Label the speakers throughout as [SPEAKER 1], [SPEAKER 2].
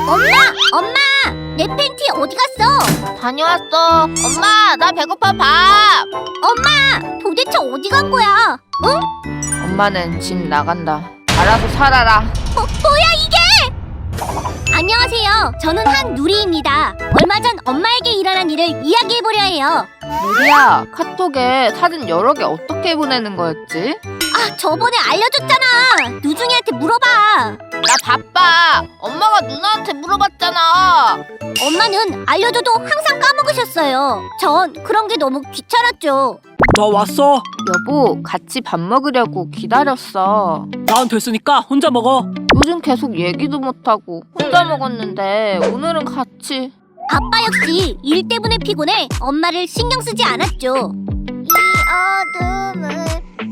[SPEAKER 1] 엄마! 내 팬티 어디 갔어?
[SPEAKER 2] 다녀왔어. 엄마, 나 배고파. 밥.
[SPEAKER 1] 엄마! 도대체 어디 간 거야? 응?
[SPEAKER 2] 엄마는 집 나간다. 알아서 살아라.
[SPEAKER 1] 뭐야 이게? 안녕하세요. 저는 한누리입니다. 얼마 전 엄마에게 일어난 일을 이야기해보려 해요.
[SPEAKER 2] 누리야, 카톡에 사진 여러 개 어떻게 보내는 거였지?
[SPEAKER 1] 아, 저번에 알려줬잖아. 누중이한테 물어봐.
[SPEAKER 2] 나 바빠. 엄마가 누나한테 물어봤잖아.
[SPEAKER 1] 엄마는 알려줘도 항상 까먹으셨어요. 전 그런 게 너무 귀찮았죠.
[SPEAKER 3] 나 왔어.
[SPEAKER 2] 여보, 같이 밥 먹으려고 기다렸어.
[SPEAKER 3] 난 됐으니까 혼자 먹어.
[SPEAKER 2] 요즘 계속 얘기도 못하고 혼자 먹었는데 오늘은 같이.
[SPEAKER 1] 아빠 역시 일 때문에 피곤해 엄마를 신경 쓰지 않았죠. 이 어둠을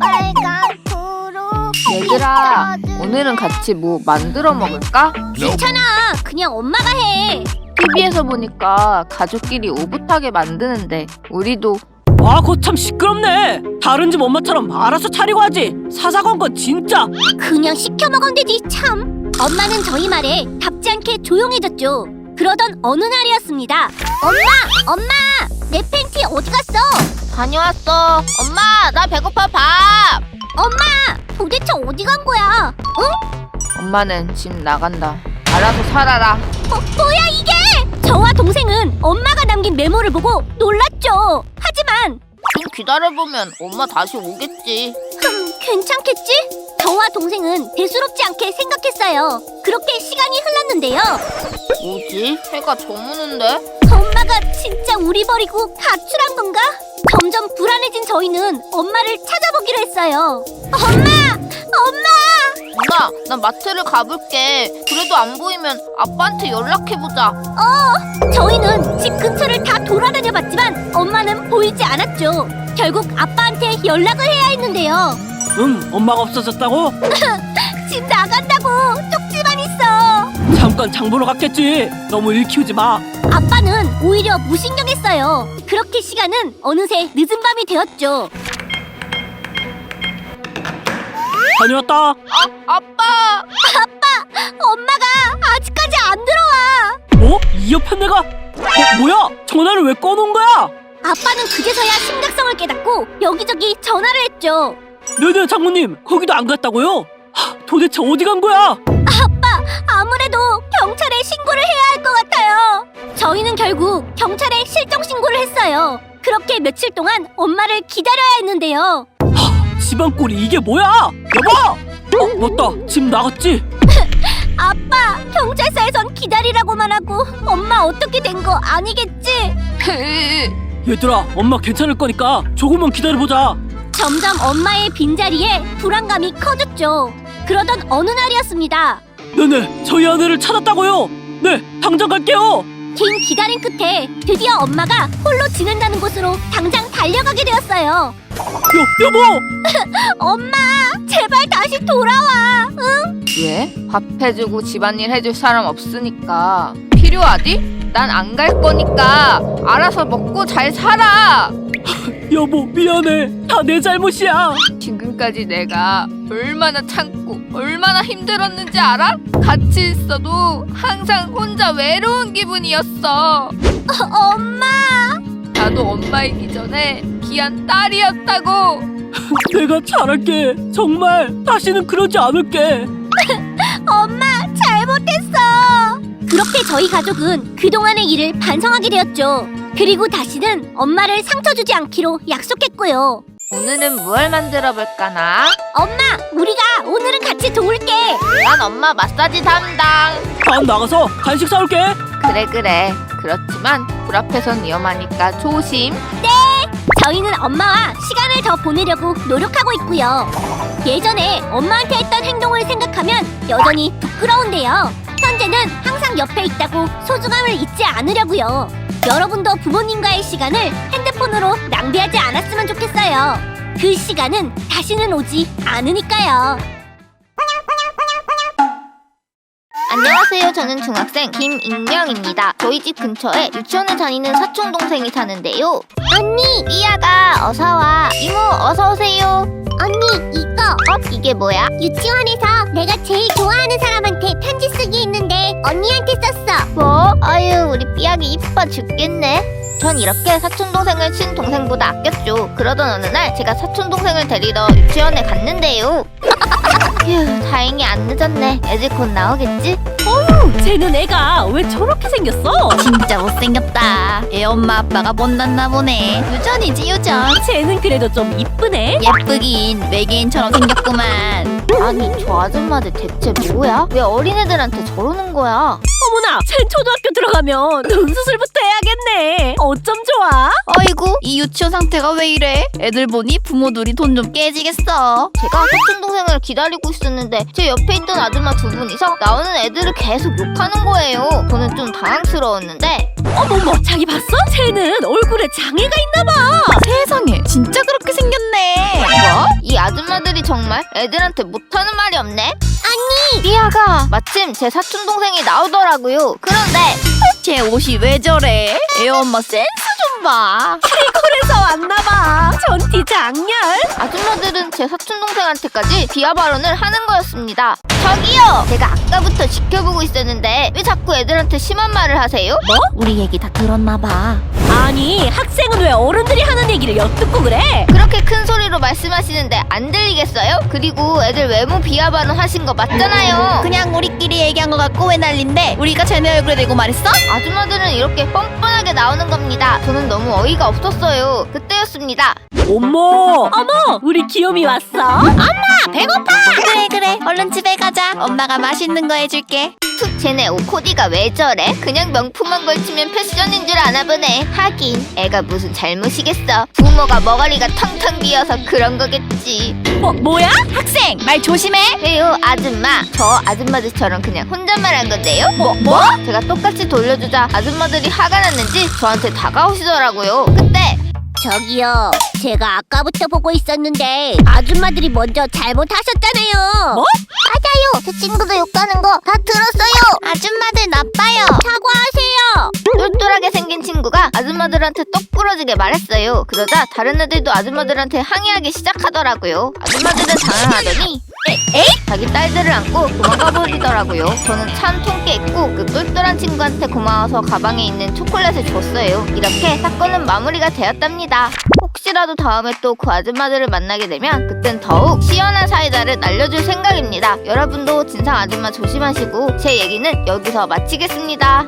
[SPEAKER 1] 빨갛도록
[SPEAKER 2] 얘들아, 오늘은 같이 뭐 만들어 먹을까?
[SPEAKER 1] 괜찮아. 그냥 엄마가 해.
[SPEAKER 2] TV에서 보니까 가족끼리 오붓하게 만드는데 우리도.
[SPEAKER 3] 아, 그거 참 시끄럽네. 다른 집 엄마처럼 알아서 차리고 하지. 사사건 건 진짜.
[SPEAKER 1] 그냥 시켜 먹으면 되지 참. 엄마는 저희 말에 답지 않게 조용해졌죠. 그러던 어느 날이었습니다. 엄마! 내 팬티 어디 갔어?
[SPEAKER 2] 다녀왔어. 엄마, 나 배고파. 밥.
[SPEAKER 1] 엄마! 도대체 어디 간 거야? 응?
[SPEAKER 2] 엄마는 집 나간다. 알아서 살아라.
[SPEAKER 1] 뭐야 이게? 저와 동생은 엄마가 남긴 메모를 보고 놀랐죠. 하지만
[SPEAKER 2] 좀 기다려보면 엄마 다시 오겠지.
[SPEAKER 1] 괜찮겠지? 저와 동생은 대수롭지 않게 생각했어요. 그렇게 시간이 흘렀는데요.
[SPEAKER 2] 뭐지? 해가 저무는데?
[SPEAKER 1] 엄마가 진짜 우리 버리고 가출한 건가? 점점 불안해진 저희는 엄마를 찾아보기로 했어요. 엄마!
[SPEAKER 2] 엄마, 나 마트를 가볼게. 그래도 안 보이면 아빠한테 연락해보자.
[SPEAKER 1] 저희는 집 근처를 다 돌아다녀봤지만 엄마는 보이지 않았죠. 결국 아빠한테 연락을 해야 했는데요.
[SPEAKER 3] 엄마가 없어졌다고?
[SPEAKER 1] 집 나간다고 쪽지만 있어.
[SPEAKER 3] 잠깐 장 보러 갔겠지. 너무 일 키우지 마.
[SPEAKER 1] 아빠는 오히려 무신경했어요. 그렇게 시간은 어느새 늦은 밤이 되었죠.
[SPEAKER 3] 다녀왔다.
[SPEAKER 2] 아빠!
[SPEAKER 1] 엄마가 아직까지 안 들어와.
[SPEAKER 3] 이 옆에 내가? 뭐야? 전화를 왜 꺼놓은 거야?
[SPEAKER 1] 아빠는 그제서야 심각성을 깨닫고 여기저기 전화를 했죠.
[SPEAKER 3] 네네, 장모님. 거기도 안 갔다고요? 도대체 어디 간 거야?
[SPEAKER 1] 아무래도 경찰에 신고를 해야 할 것 같아요. 저희는 결국 경찰에 실종 신고를 했어요. 그렇게 며칠 동안 엄마를 기다려야 했는데요.
[SPEAKER 3] 집안 꼴이 이게 뭐야? 여보! 맞다. 집 나갔지?
[SPEAKER 1] 아빠, 경찰서에선 기다리라고만 하고 엄마 어떻게 된 거 아니겠지?
[SPEAKER 3] 얘들아, 엄마 괜찮을 거니까 조금만 기다려보자.
[SPEAKER 1] 점점 엄마의 빈자리에 불안감이 커졌죠. 그러던 어느 날이었습니다.
[SPEAKER 3] 네네, 저희 아내를 찾았다고요. 네, 당장 갈게요.
[SPEAKER 1] 긴 기다림 끝에 드디어 엄마가 홀로 지낸다는 곳으로 당장 달려가게 되었어요.
[SPEAKER 3] 여보!
[SPEAKER 1] 엄마, 제발 다시 돌아와. 응?
[SPEAKER 2] 왜? 밥 해주고 집안일 해줄 사람 없으니까. 필요하디? 난 안 갈 거니까 알아서 먹고 잘 살아.
[SPEAKER 3] 여보, 미안해. 다 내 잘못이야.
[SPEAKER 2] 지금까지 내가 얼마나 참고 얼마나 힘들었는지 알아? 같이 있어도 항상 혼자 외로운 기분이었어.
[SPEAKER 1] 엄마!
[SPEAKER 2] 나도 엄마이기 전에 귀한 딸이었다고.
[SPEAKER 3] 내가 잘할게. 정말 다시는 그러지 않을게.
[SPEAKER 1] 엄마, 잘못했어. 그렇게 저희 가족은 그동안의 일을 반성하게 되었죠. 그리고 다시는 엄마를 상처 주지 않기로 약속했고요.
[SPEAKER 2] 오늘은 뭘 만들어 볼까나?
[SPEAKER 1] 엄마, 우리가 오늘은 같이 도울게.
[SPEAKER 2] 난 엄마 마사지 담당.
[SPEAKER 3] 난 나가서 간식 사올게.
[SPEAKER 2] 그래. 그렇지만 불 앞에선 위험하니까 조심.
[SPEAKER 1] 저희는 엄마와 시간을 더 보내려고 노력하고 있고요. 예전에 엄마한테 했던 행동을 생각하면 여전히 부끄러운데요. 현재는 항상 옆에 있다고 소중함을 잊지 않으려고요. 여러분도 부모님과의 시간을 핸드폰으로 낭비하지 않았으면 좋겠어요. 그 시간은 다시는 오지 않으니까요.
[SPEAKER 2] 안녕하세요. 저는 중학생 김익명입니다. 저희 집 근처에 유치원을 다니는 사촌 동생이 사는데요.
[SPEAKER 1] 언니,
[SPEAKER 2] 삐아가 어서와. 이모 어서오세요.
[SPEAKER 1] 언니, 이거
[SPEAKER 2] 이게 뭐야?
[SPEAKER 1] 유치원에서 내가 제일 좋아하는 사람한테 편지 쓰기 했는데 언니한테 썼어. 뭐? 아유, 우리 삐약이 이뻐 죽겠네. 전 이렇게 사촌동생을 친동생보다 아꼈죠. 그러던 어느 날 제가 사촌동생을 데리러 유치원에 갔는데요. 휴, 다행히 안 늦었네. 애들 곧 나오겠지?
[SPEAKER 3] 쟤는 애가 왜 저렇게 생겼어?
[SPEAKER 4] 진짜 못생겼다. 애 엄마 아빠가 못났나 보네. 유전이지 유전.
[SPEAKER 3] 쟤는 그래도 좀 이쁘네.
[SPEAKER 4] 예쁘긴 외계인처럼 생겼구만.
[SPEAKER 1] 아니, 저 아줌마들 대체 뭐야? 왜 어린애들한테 저러는 거야?
[SPEAKER 3] 어머나, 쟤 초등학교 들어가면 눈수술부터 해야겠네. 어쩜 좋아?
[SPEAKER 4] 어이구 이 유치원 상태가 왜 이래? 애들 보니 부모들이 돈 좀 깨지겠어.
[SPEAKER 1] 제가 사촌동생을 기다리고 있었는데 제 옆에 있던 아줌마 두 분이서 나오는 애들을 계속 욕하는 거예요. 저는 좀 당황스러웠는데
[SPEAKER 3] 어머머, 자기 봤어? 쟤는 얼굴에 장애가 있나봐.
[SPEAKER 4] 세상에 진짜 그렇게 생겼네.
[SPEAKER 1] 뭐? 이 아줌마들이 정말 애들한테 못하는 말이 없네? 아니! 삐아가 마침 제 사촌동생이 나오더라고요. 그런데
[SPEAKER 4] 쟤 옷이 왜 저래? 애 엄마 센스 좀 봐.
[SPEAKER 3] 그래서 왔나봐. 전티 장렬.
[SPEAKER 1] 아줌마들은 제 사촌동생한테까지 비하 발언을 하는 거였습니다. 저기요! 제가 아까부터 지켜보고 있었는데 왜 자꾸 애들한테 심한 말을 하세요?
[SPEAKER 4] 우리 얘기 다 들었나 봐.
[SPEAKER 3] 아니, 학생은 왜 어른들이 하는 얘기를 엿듣고 그래?
[SPEAKER 1] 그렇게 큰 소리로 말씀하시는데 안 들리겠어요? 그리고 애들 외모 비하 발언 하신 거 맞잖아요.
[SPEAKER 4] 그냥 우리끼리 얘기한 것 같고 왜 난린데? 우리가 쟤네 얼굴에 대고 말했어?
[SPEAKER 1] 아줌마들은 이렇게 뻔뻔하게 나오는 겁니다. 저는 너무 어이가 없었어요. 그때였습니다.
[SPEAKER 3] 어머, 우리 귀요미 왔어?
[SPEAKER 4] 그래 얼른 집에 가자. 엄마가 맛있는 거 해줄게.
[SPEAKER 1] 툭, 쟤네 옷 코디가 왜 저래? 그냥 명품만 걸치면 패션인 줄 아나 보네. 하긴 애가 무슨 잘못이겠어. 부모가 머가리가 텅텅 비어서 그런 거겠지.
[SPEAKER 3] 뭐야?
[SPEAKER 4] 학생 말 조심해.
[SPEAKER 1] 왜요, 아줌마? 저 아줌마들처럼 그냥 혼잣말 한 건데요? 뭐? 제가 똑같이 돌려주자 아줌마들이 화가 났는지 저한테 다가오시더라고요. 그때 저기요, 제가 아까부터 보고 있었는데 아줌마들이 먼저 잘못하셨잖아요.
[SPEAKER 3] 뭐?
[SPEAKER 1] 맞아요. 제 친구도 욕하는 거 다 들었어요.
[SPEAKER 4] 아줌마들 나빠요.
[SPEAKER 1] 사과하세요. 똘똘하게 생긴 친구가 아줌마들한테 똑 부러지게 말했어요. 그러자 다른 애들도 아줌마들한테 항의하기 시작하더라고요. 아줌마들은 당황하더니 자기 딸들을 안고 도망가 버리더라고요. 저는 참 통깨 있고 그 똘똘한 친구한테 고마워서 가방에 있는 초콜릿을 줬어요. 이렇게 사건은 마무리가 되었답니다. 혹시라도 다음에 또 그 아줌마들을 만나게 되면 그땐 더욱 시원한 사이다를 날려줄 생각입니다. 여러분도 진상 아줌마 조심하시고 제 얘기는 여기서 마치겠습니다.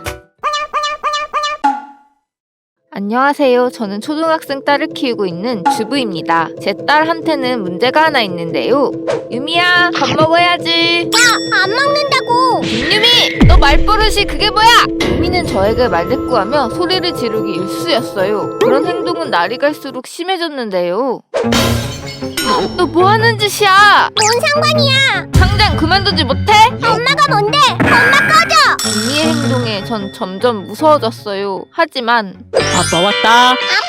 [SPEAKER 1] 안녕하세요. 저는 초등학생 딸을 키우고 있는 주부입니다. 제 딸한테는 문제가 하나 있는데요. 유미야, 밥 먹어야지. 안 먹는다고. 김유미, 너 말버릇이 그게 뭐야? 유미는 저에게 말대꾸하며 소리를 지르기 일쑤였어요. 그런 행동은 날이 갈수록 심해졌는데요. 너 뭐 하는 짓이야? 뭔 상관이야?
[SPEAKER 2] 당장 그만두지 못해?
[SPEAKER 1] 엄마가 뭔데? 엄마 꺼져!
[SPEAKER 2] 유미의 행동에 전 점점 무서워졌어요. 하지만
[SPEAKER 3] 아빠 왔다.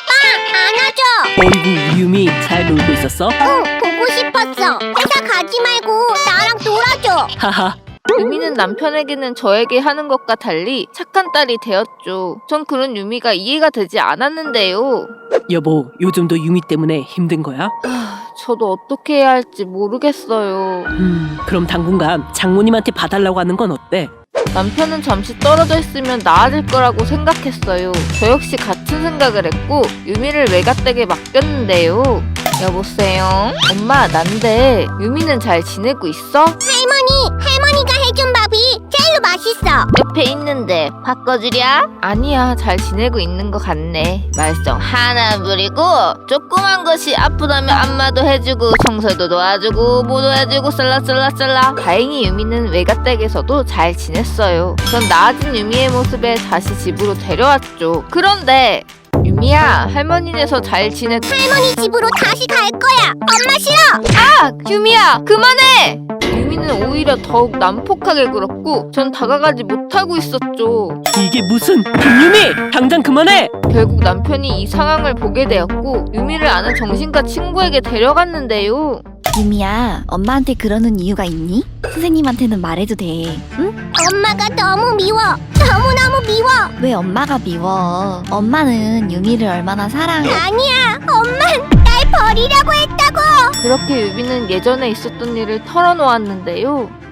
[SPEAKER 1] 안아줘.
[SPEAKER 3] 어이구, 우리 유미 잘 놀고 있었어?
[SPEAKER 1] 응, 보고 싶었어. 회사 가지 말고 나랑 놀아줘.
[SPEAKER 3] 하하.
[SPEAKER 2] 유미는 남편에게는 저에게 하는 것과 달리 착한 딸이 되었죠. 전 그런 유미가 이해가 되지 않았는데요.
[SPEAKER 3] 여보, 요즘도 유미 때문에 힘든 거야?
[SPEAKER 2] 저도 어떻게 해야 할지 모르겠어요.
[SPEAKER 3] 그럼 당분간 장모님한테 봐달라고 하는 건 어때?
[SPEAKER 2] 남편은 잠시 떨어져 있으면 나아질 거라고 생각했어요. 저 역시 같은 생각을 했고 유미를 외갓댁에 맡겼는데요. 여보세요? 엄마, 난데 유미는 잘 지내고 있어?
[SPEAKER 1] 할머니가 해준 밥이 제일로 맛있어. 옆에 있는데 바꿔주랴?
[SPEAKER 2] 아니야, 잘 지내고 있는 것 같네.
[SPEAKER 1] 말썽 하나 부리고 조그만 것이 아프다면 안마도 해주고 청소도 도와주고 뭐도 해주고 쌀라쌀라쌀라.
[SPEAKER 2] 다행히 유미는 외갓댁에서도 잘 지냈어요. 전 나아진 유미의 모습에 다시 집으로 데려왔죠. 그런데 유미야, 할머니네서 잘 지냈...
[SPEAKER 1] 할머니 집으로 다시 갈 거야. 엄마 싫어.
[SPEAKER 2] 아! 유미야, 그만해! 유미는 오히려 더욱 난폭하게 굴었고 전 다가가지 못하고 있었죠.
[SPEAKER 3] 이게 무슨... 김유미! 당장 그만해!
[SPEAKER 2] 결국 남편이 이 상황을 보게 되었고 유미를 아는 정신과 친구에게 데려갔는데요.
[SPEAKER 4] 유미야 엄마한테 그러는 이유가 있니? 선생님한테는 말해도 돼. 응?
[SPEAKER 1] 엄마가 너무 미워. 너무너무 미워.
[SPEAKER 4] 왜 엄마가 미워? 엄마는 유미를 얼마나 사랑해.
[SPEAKER 1] 아니야. 엄만 날 버리려고 했다고.
[SPEAKER 2] 그렇게 유미는 예전에 있었던 일을 털어놓았는데요.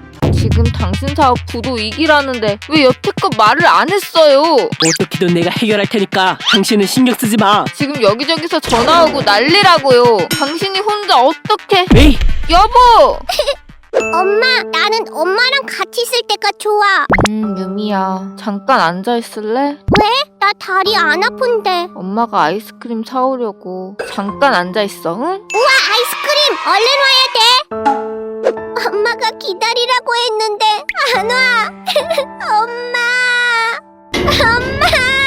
[SPEAKER 2] 지금 당신 사업 부도 위기라는데 왜 여태껏 말을 안 했어요?
[SPEAKER 3] 어떻게든 내가 해결할 테니까 당신은 신경 쓰지 마.
[SPEAKER 2] 지금 여기저기서 전화 오고 난리라고요. 당신이 혼자 어떻게...
[SPEAKER 3] 에이,
[SPEAKER 2] 여보!
[SPEAKER 1] 엄마, 나는 엄마랑 같이 있을 때가 좋아.
[SPEAKER 2] 유미야. 잠깐 앉아있을래?
[SPEAKER 1] 나 다리 안 아픈데.
[SPEAKER 2] 엄마가 아이스크림 사오려고. 잠깐 앉아있어, 응?
[SPEAKER 1] 우와, 아이스크림! 얼른 와야 돼. 엄마가 기다리라고 했는데 안 와. 엄마, 엄마,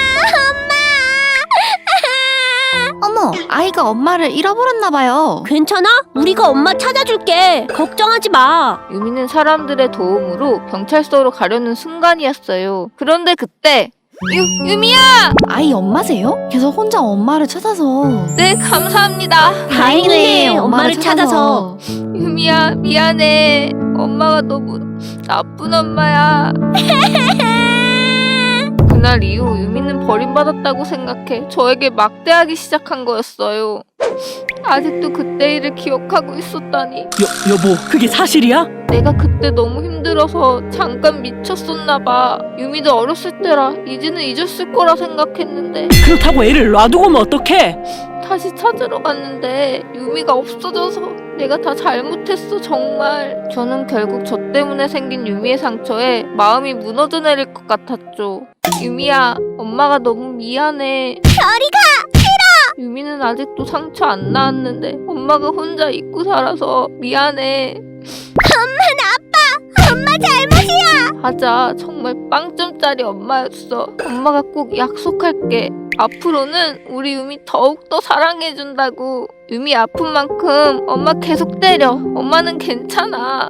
[SPEAKER 4] 어머, 아이가 엄마를 잃어버렸나 봐요.
[SPEAKER 1] 괜찮아? 우리가 엄마 찾아줄게. 걱정하지 마.
[SPEAKER 2] 유미는 사람들의 도움으로 경찰서로 가려는 순간이었어요. 그런데 그때 유미야!
[SPEAKER 4] 아이 엄마세요? 계속 혼자 엄마를 찾아서.
[SPEAKER 2] 네, 감사합니다.
[SPEAKER 1] 다행이네, 엄마를 찾아서.
[SPEAKER 2] 유미야, 미안해. 엄마가 너무 나쁜 엄마야. 그날 이후 유미는 버림받았다고 생각해 저에게 막대하기 시작한 거였어요. 아직도 그때 일을 기억하고 있었다니.
[SPEAKER 3] 여보, 그게 사실이야?
[SPEAKER 2] 내가 그때 너무 힘들어서 잠깐 미쳤었나 봐. 유미도 어렸을 때라 이제는 잊었을 거라 생각했는데
[SPEAKER 3] 그렇다고 애를 놔두고 오면 어떡해?
[SPEAKER 2] 다시 찾으러 갔는데 유미가 없어져서 내가 다 잘못했어, 정말. 저는 결국 저 때문에 생긴 유미의 상처에 마음이 무너져 내릴 것 같았죠. 유미야, 엄마가 너무 미안해.
[SPEAKER 1] 저리가!
[SPEAKER 2] 유미는 아직도 상처 안 나았는데 엄마가 혼자 잊고 살아서 미안해.
[SPEAKER 1] 엄마 잘못이야.
[SPEAKER 2] 하자. 정말 빵점짜리 엄마였어. 엄마가 꼭 약속할게. 앞으로는 우리 유미 더욱더 사랑해준다고. 유미 아픈 만큼 엄마 계속 때려. 엄마는 괜찮아.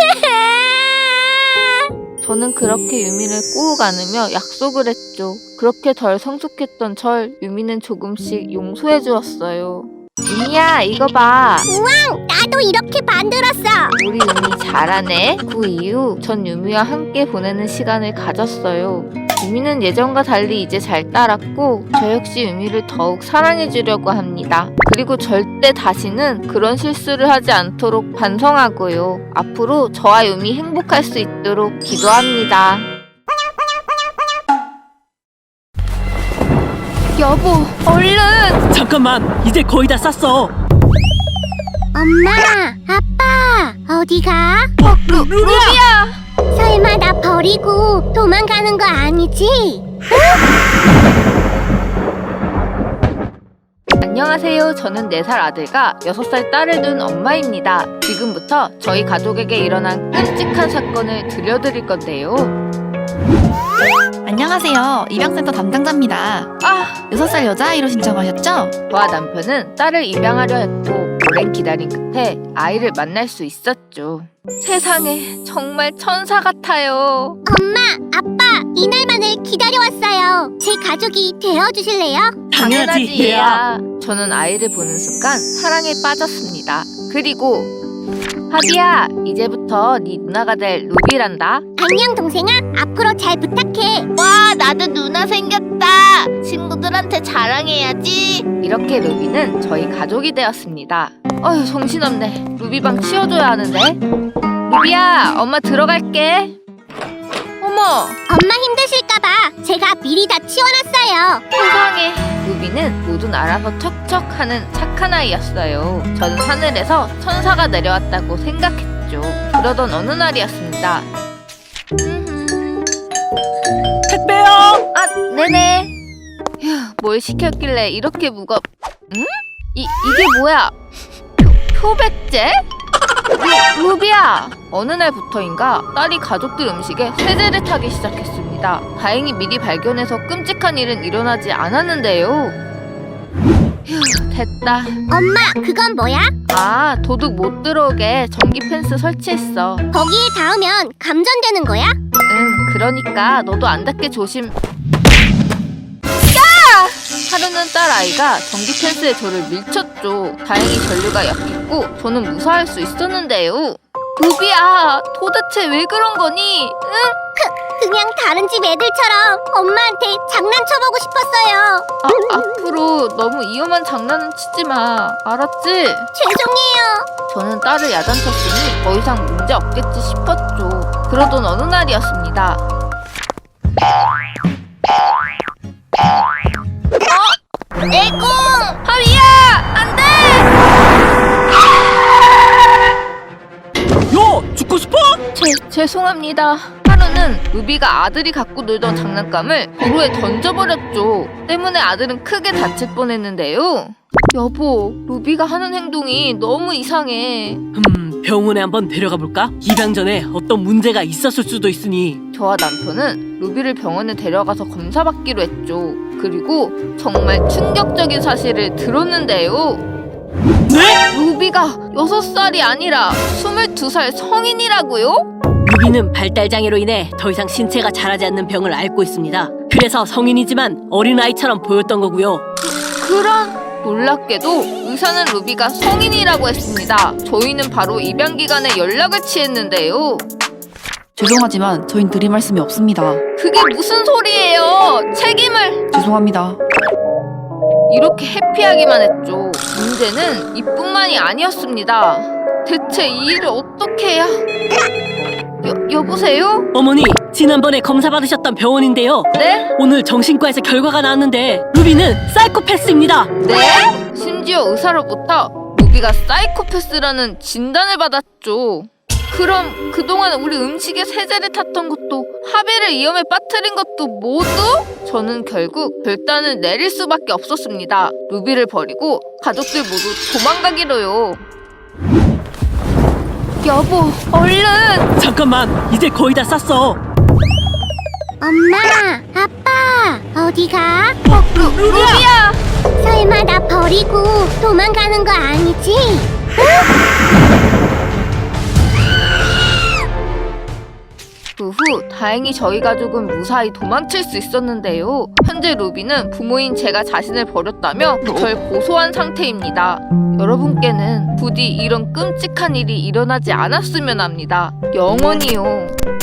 [SPEAKER 2] 저는 그렇게 유미를 꼭 안으며 약속을 했죠. 그렇게 덜 성숙했던 절 유미는 조금씩 용서해 주었어요. 유미야, 이거 봐.
[SPEAKER 1] 나도 이렇게 만들었어.
[SPEAKER 2] 우리 유미 잘하네. 그 이후 전 유미와 함께 보내는 시간을 가졌어요. 유미는 예전과 달리 이제 잘 따랐고 저 역시 유미를 더욱 사랑해주려고 합니다. 그리고 절대 다시는 그런 실수를 하지 않도록 반성하고요. 앞으로 저와 유미 행복할 수 있도록 기도합니다. 여보, 얼른!
[SPEAKER 3] 잠깐만, 이제 거의 다 쌌어.
[SPEAKER 1] 엄마, 아빠, 어디가?
[SPEAKER 2] 루비야!
[SPEAKER 1] 설마 나 버리고 도망가는 거 아니지?
[SPEAKER 2] 안녕하세요. 저는 4살 아들과 6살 딸을 둔 엄마입니다. 지금부터 저희 가족에게 일어난 끔찍한 사건을 들려드릴 건데요.
[SPEAKER 4] 안녕하세요. 입양센터 담당자입니다. 6살 여자아이로 신청하셨죠?
[SPEAKER 2] 저와 남편은 딸을 입양하려 했고 오랜 기다림 끝에 아이를 만날 수 있었죠. 세상에 정말 천사 같아요.
[SPEAKER 1] 엄마, 아빠, 이날만을 기다려왔어요. 제 가족이 되어주실래요?
[SPEAKER 3] 당연하지, 얘야.
[SPEAKER 2] 저는 아이를 보는 순간 사랑에 빠졌습니다. 그리고 하비야, 이제부터 네 누나가 될 루비란다.
[SPEAKER 1] 안녕 동생아, 앞으로 잘 부탁해.
[SPEAKER 2] 와, 나도 누나 생겼다. 친구들한테 자랑해야지. 이렇게 루비는 저희 가족이 되었습니다. 어휴, 정신없네. 루비 방 치워줘야 하는데. 루비야, 엄마 들어갈게. 어머,
[SPEAKER 1] 엄마 힘드실까봐 제가 미리 다 치워놨어요.
[SPEAKER 2] 세상에. 루비는 뭐든 알아서 척척하는 착한 아이였어요. 저는 하늘에서 천사가 내려왔다고 생각했죠. 그러던 어느 날이었습니다.
[SPEAKER 3] 택배요.
[SPEAKER 2] 네네. 휴, 뭘 시켰길래 이렇게 응? 이게 뭐야? 표백제? 루비야! 어느 날부터인가 딸이 가족들 음식에 세제를 타기 시작했습니다. 다행히 미리 발견해서 끔찍한 일은 일어나지 않았는데요. 휴, 됐다.
[SPEAKER 1] 엄마, 그건 뭐야?
[SPEAKER 2] 도둑 못 들어오게 전기 펜스 설치했어.
[SPEAKER 1] 거기에 닿으면 감전되는 거야?
[SPEAKER 2] 응, 그러니까 너도 안 닿게 조심. 하루는 딸 아이가 전기 펜스에 저를 밀쳤죠. 다행히 전류가 약했고 저는 무사할 수 있었는데요. 루비야, 도대체 왜 그런 거니? 응?
[SPEAKER 1] 그냥 다른 집 애들처럼 엄마한테 장난쳐보고 싶었어요.
[SPEAKER 2] 앞으로 너무 위험한 장난은 치지 마. 알았지?
[SPEAKER 1] 죄송해요.
[SPEAKER 2] 저는 딸을 야단쳤으니 더 이상 문제 없겠지 싶었죠. 그러던 어느 날이었습니다. 에고! 하위야! 안 돼!
[SPEAKER 3] 야, 죽고 싶어?
[SPEAKER 2] 죄송합니다. 하루는 루비가 아들이 갖고 놀던 장난감을 도로에 던져버렸죠. 때문에 아들은 크게 다칠 뻔했는데요. 여보, 루비가 하는 행동이 너무 이상해.
[SPEAKER 3] 병원에 한번 데려가 볼까? 입양 전에 어떤 문제가 있었을 수도 있으니.
[SPEAKER 2] 저와 남편은 루비를 병원에 데려가서 검사받기로 했죠. 그리고 정말 충격적인 사실을 들었는데요.
[SPEAKER 3] 네?
[SPEAKER 2] 루비가 6살이 아니라 22살 성인이라고요?
[SPEAKER 3] 루비는 발달장애로 인해 더 이상 신체가 자라지 않는 병을 앓고 있습니다. 그래서 성인이지만 어린아이처럼 보였던 거고요.
[SPEAKER 2] 그런 놀랍게도 의사는 루비가 성인이라고 했습니다. 저희는 바로 입양 기간에 연락을 취했는데요.
[SPEAKER 5] 죄송하지만 저흰 드릴 말씀이 없습니다.
[SPEAKER 2] 그게 무슨 소리예요? 책임을!
[SPEAKER 5] 죄송합니다.
[SPEAKER 2] 이렇게 해피하기만 했죠. 문제는 이뿐만이 아니었습니다. 대체 이 일을 어떻게 해야... 여보세요?
[SPEAKER 3] 어머니, 지난번에 검사 받으셨던 병원인데요.
[SPEAKER 2] 네?
[SPEAKER 3] 오늘 정신과에서 결과가 나왔는데 루비는 사이코패스입니다.
[SPEAKER 2] 네? 심지어 의사로부터 루비가 사이코패스라는 진단을 받았죠. 그럼 그동안 우리 음식에 세제를 탔던 것도 하비를 위험에 빠뜨린 것도 모두? 저는 결국 결단을 내릴 수밖에 없었습니다. 루비를 버리고 가족들 모두 도망가기로요. 여보, 얼른!
[SPEAKER 3] 잠깐만, 이제 거의 다 쌌어.
[SPEAKER 1] 엄마, 아빠, 어디 가?
[SPEAKER 2] 루비야!
[SPEAKER 1] 설마 나 버리고 도망가는 거 아니지?
[SPEAKER 2] 그 후 다행히 저희 가족은 무사히 도망칠 수 있었는데요. 현재 루비는 부모인 제가 자신을 버렸다며 절 고소한 상태입니다. 여러분께는 부디 이런 끔찍한 일이 일어나지 않았으면 합니다. 영원히요.